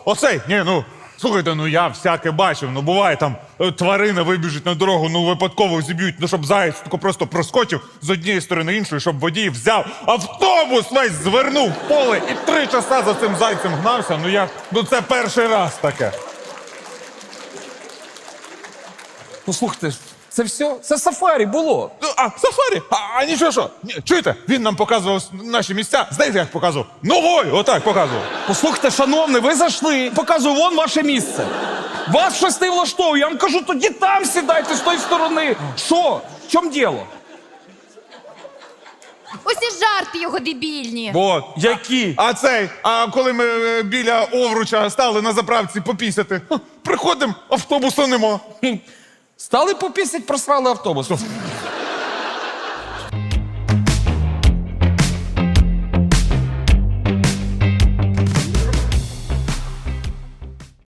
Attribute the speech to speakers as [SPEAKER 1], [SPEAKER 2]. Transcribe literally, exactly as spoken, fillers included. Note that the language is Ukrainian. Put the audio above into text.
[SPEAKER 1] Оцей, ні, ну, слухайте, ну я всяке бачив, ну буває там е, тварина вибіжить на дорогу, ну випадково зіб'ють, ну щоб заєць тако просто проскочив з однієї сторони іншої, щоб водій взяв автобус весь звернув в поле і три часа за цим зайцем гнався, ну я, ну це перший раз таке.
[SPEAKER 2] Ну слухайте, це все? Це сафарі було.
[SPEAKER 1] Ну, а, сафарі? А, а нічого що? Ні, чуєте, він нам показував наші місця, знаєте, як показував? Ногою, отак показував.
[SPEAKER 2] Послухайте, шановний, ви зайшли, показую, вон ваше місце. Вас щось не влаштовує, я вам кажу, тоді там сідайте з тої сторони. Що? В чому діло?
[SPEAKER 3] Усі жарти його дебільні.
[SPEAKER 1] Вот.
[SPEAKER 2] Які?
[SPEAKER 1] А цей, а коли ми е, біля Овруча стали на заправці попісяти, ха, приходимо, автобуса нема.
[SPEAKER 2] Стали попісять, просрали автобус.